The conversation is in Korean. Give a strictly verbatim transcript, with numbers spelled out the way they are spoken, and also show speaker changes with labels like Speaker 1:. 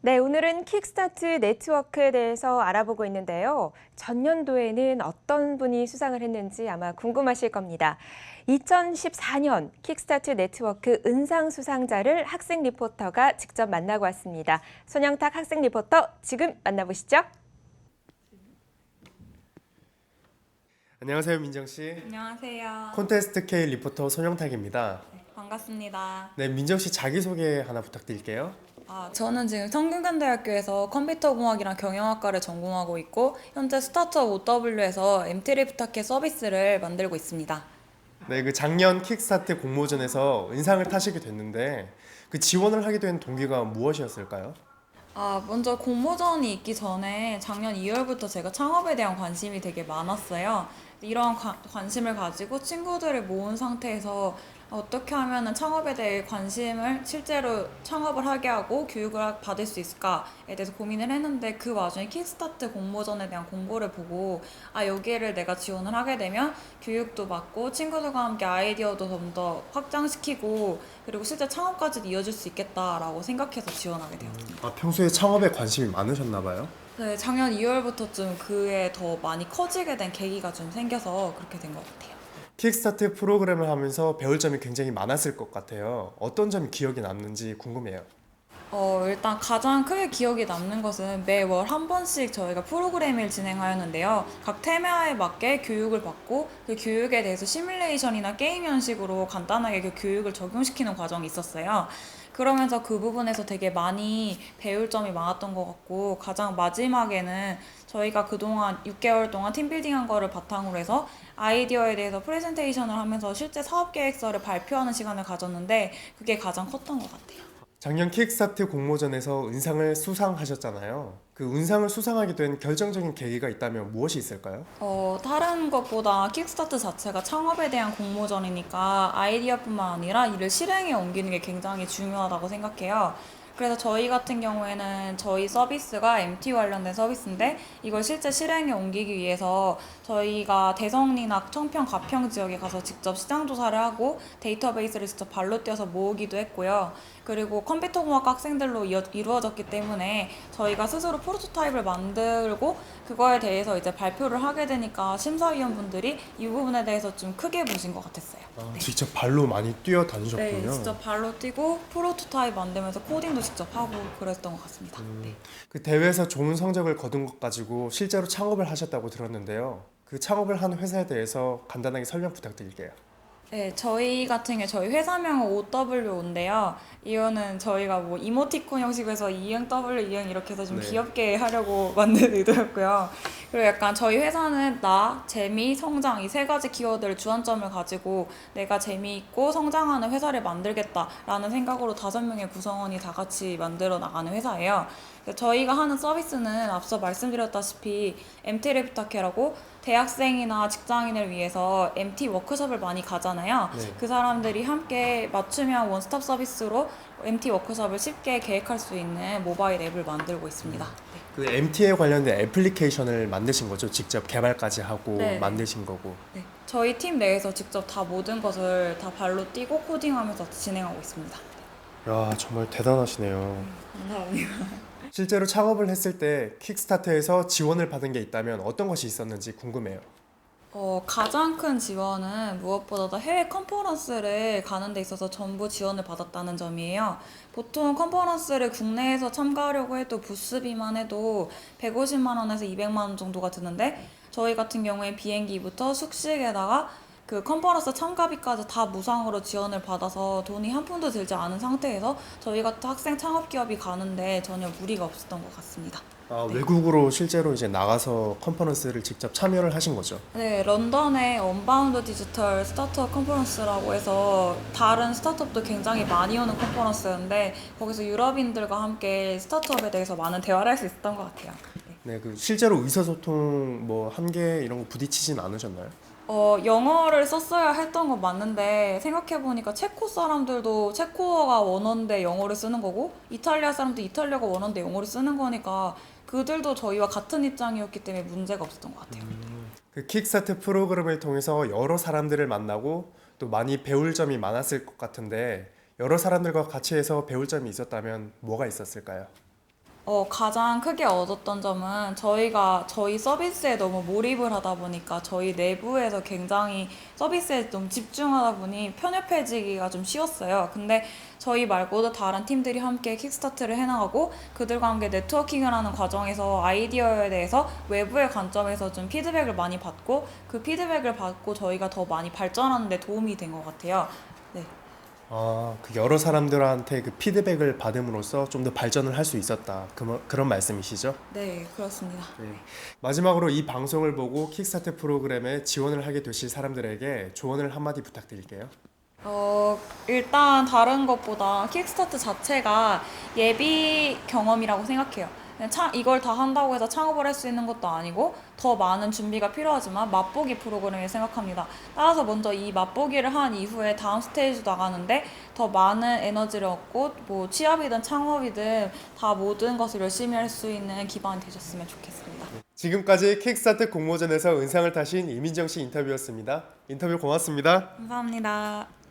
Speaker 1: 네, 오늘은 킥스타트 네트워크에 대해서 알아보고 있는데요. 전년도에는 어떤 분이 수상을 했는지 아마 궁금하실 겁니다. 이천십사 년 킥스타트 네트워크 은상 수상자를 학생 리포터가 직접 만나고 왔습니다. 손영탁 학생 리포터, 지금 만나보시죠.
Speaker 2: 안녕하세요, 민정 씨.
Speaker 3: 안녕하세요.
Speaker 2: 콘테스트 K 리포터 손영탁입니다.
Speaker 3: 네, 반갑습니다.
Speaker 2: 네, 민정 씨 자기소개 하나 부탁드릴게요.
Speaker 3: 아, 저는 지금 성균관대학교에서 컴퓨터공학이랑 경영학과를 전공하고 있고 현재 스타트업 오더블유에서 엠티를 부탁해 서비스를 만들고 있습니다.
Speaker 2: 네, 그 작년 킥스타트 공모전에서 은상을 타시게 됐는데 그 지원을 하게 된 동기가 무엇이었을까요?
Speaker 3: 아, 먼저 공모전이 있기 전에 작년 이월부터 제가 창업에 대한 관심이 되게 많았어요. 이런 관- 관심을 가지고 친구들을 모은 상태에서 어떻게 하면 창업에 대해 관심을 실제로 창업을 하게 하고 교육을 받을 수 있을까에 대해서 고민을 했는데 그 와중에 킥스타트 공모전에 대한 공고를 보고 아, 여기를 내가 지원을 하게 되면 교육도 받고 친구들과 함께 아이디어도 좀 더 확장시키고 그리고 실제 창업까지도 이어질 수 있겠다라고 생각해서 지원하게 되었습니다.
Speaker 2: 아, 평소에 창업에 관심이 많으셨나 봐요.
Speaker 3: 네, 작년 이월부터쯤 그에 더 많이 커지게 된 계기가 좀 생겨서 그렇게 된 것 같아요.
Speaker 2: 킥스타트 프로그램을 하면서 배울 점이 굉장히 많았을 것 같아요. 어떤 점이 기억에 남는지 궁금해요.
Speaker 3: 어, 일단 가장 크게 기억에 남는 것은 매월 한 번씩 저희가 프로그램을 진행하였는데요. 각 테마에 맞게 교육을 받고 그 교육에 대해서 시뮬레이션이나 게임 형식으로 간단하게 그 교육을 적용시키는 과정이 있었어요. 그러면서 그 부분에서 되게 많이 배울 점이 많았던 것 같고 가장 마지막에는 저희가 그동안 육 개월 동안 팀빌딩한 거를 바탕으로 해서 아이디어에 대해서 프레젠테이션을 하면서 실제 사업계획서를 발표하는 시간을 가졌는데 그게 가장 컸던 것 같아요.
Speaker 2: 작년 킥스타트 공모전에서 은상을 수상하셨잖아요. 그 은상을 수상하게 된 결정적인 계기가 있다면 무엇이 있을까요?
Speaker 3: 어, 다른 것보다 킥스타트 자체가 창업에 대한 공모전이니까 아이디어뿐만 아니라 이를 실행에 옮기는 게 굉장히 중요하다고 생각해요. 그래서 저희 같은 경우에는 저희 서비스가 엠티 관련된 서비스인데 이걸 실제 실행에 옮기기 위해서 저희가 대성리나 청평, 가평 지역에 가서 직접 시장 조사를 하고 데이터베이스를 직접 발로 뛰어서 모으기도 했고요. 그리고 컴퓨터공학 학생들로 이어, 이루어졌기 때문에 저희가 스스로 프로토타입을 만들고 그거에 대해서 이제 발표를 하게 되니까 심사위원분들이 이 부분에 대해서 좀 크게 보신 것 같았어요.
Speaker 2: 아,
Speaker 3: 네.
Speaker 2: 직접 발로 많이 뛰어다니셨군요.
Speaker 3: 네, 직접 발로 뛰고 프로토타입 만들면서 코딩도 직접 하고 그랬던 것 같습니다. 네.
Speaker 2: 그 대회에서 좋은 성적을 거둔 것 가지고 실제로 창업을 하셨다고 들었는데요. 그 창업을 한 회사에 대해서 간단하게 설명 부탁드릴게요.
Speaker 3: 네, 저희 같은 경우 저희 회사명은 오더블유오인데요. 이거는 저희가 뭐 이모티콘 형식에서 이응 더블유 이응 이렇게 해서 좀
Speaker 2: 네.
Speaker 3: 귀엽게 하려고 만든 의도였고요. 그리고 약간 저희 회사는 나, 재미, 성장 이 세 가지 키워드를 주안점을 가지고 내가 재미있고 성장하는 회사를 만들겠다라는 생각으로 다섯 명의 구성원이 다 같이 만들어 나가는 회사예요. 저희가 하는 서비스는 앞서 말씀드렸다시피 엠티를 부탁해라고 대학생이나 직장인을 위해서 엠티 워크숍을 많이 가잖아요.
Speaker 2: 네.
Speaker 3: 그 사람들이 함께 맞춤형 원스톱 서비스로 엠티 워크숍을 쉽게 계획할 수 있는 모바일 앱을 만들고 있습니다.
Speaker 2: 그 엠티에 관련된 애플리케이션을 만드신 거죠? 직접 개발까지 하고
Speaker 3: 네.
Speaker 2: 만드신 거고.
Speaker 3: 네. 저희 팀 내에서 직접 다 모든 것을 다 발로 뛰고 코딩하면서 진행하고 있습니다.
Speaker 2: 야, 정말 대단하시네요.
Speaker 3: 감사합니다.
Speaker 2: 실제로 창업을 했을 때 킥스타트에서 지원을 받은 게 있다면 어떤 것이 있었는지 궁금해요.
Speaker 3: 어, 가장 큰 지원은 무엇보다도 해외 컨퍼런스를 가는 데 있어서 전부 지원을 받았다는 점이에요. 보통 컨퍼런스를 국내에서 참가하려고 해도 부스비만 해도 백오십만 원에서 이백만 원 정도가 드는데 저희 같은 경우에 비행기부터 숙식에다가 그 컨퍼런스 참가비까지 다 무상으로 지원을 받아서 돈이 한 푼도 들지 않은 상태에서 저희 같은 학생 창업기업이 가는데 전혀 무리가 없었던 것 같습니다.
Speaker 2: 아,
Speaker 3: 네.
Speaker 2: 외국으로 실제로 이제 나가서 컨퍼런스를 직접 참여를 하신 거죠?
Speaker 3: 네, 런던의 언바운드 디지털 스타트업 컨퍼런스라고 해서 다른 스타트업도 굉장히 많이 오는 컨퍼런스였는데 거기서 유럽인들과 함께 스타트업에 대해서 많은 대화를 할 수 있었던 것 같아요. 네.
Speaker 2: 네, 그 실제로 의사소통 뭐 한계 이런 거 부딪히진 않으셨나요?
Speaker 3: 어, 영어를 썼어야 했던 건 맞는데 생각해보니까 체코 사람들도 체코어가 원어인데 영어를 쓰는 거고 이탈리아 사람도 이탈리아가 원어인데 영어를 쓰는 거니까 그들도 저희와 같은 입장이었기 때문에 문제가 없었던 것 같아요.
Speaker 2: 그 킥스타트 프로그램을 통해서 여러 사람들을 만나고 또 많이 배울 점이 많았을 것 같은데 여러 사람들과 같이 해서 배울 점이 있었다면 뭐가 있었을까요?
Speaker 3: 어, 가장 크게 얻었던 점은 저희가 저희 서비스에 너무 몰입을 하다 보니까 저희 내부에서 굉장히 서비스에 좀 집중하다 보니 편협해지기가 좀 쉬웠어요. 근데 저희 말고도 다른 팀들이 함께 킥스타트를 해나가고 그들과 함께 네트워킹을 하는 과정에서 아이디어에 대해서 외부의 관점에서 좀 피드백을 많이 받고 그 피드백을 받고 저희가 더 많이 발전하는 데 도움이 된 것 같아요. 네.
Speaker 2: 아, 그 여러 사람들한테 그 피드백을 받음으로써 좀 더 발전을 할 수 있었다. 그, 그런 말씀이시죠?
Speaker 3: 네, 그렇습니다.
Speaker 2: 네. 마지막으로 이 방송을 보고 킥스타트 프로그램에 지원을 하게 되실 사람들에게 조언을 한마디 부탁드릴게요.
Speaker 3: 어, 일단 다른 것보다 킥스타트 자체가 예비 경험이라고 생각해요. 그냥 차, 이걸 다 한다고 해서 창업을 할 수 있는 것도 아니고 더 많은 준비가 필요하지만 맛보기 프로그램을 생각합니다. 따라서 먼저 이 맛보기를 한 이후에 다음 스테이지 나가는데 더 많은 에너지를 얻고 뭐 취업이든 창업이든 다 모든 것을 열심히 할 수 있는 기반이 되셨으면 좋겠습니다.
Speaker 2: 지금까지 킥스타트 공모전에서 은상을 타신 이민정 씨 인터뷰였습니다. 인터뷰 고맙습니다.
Speaker 3: 감사합니다.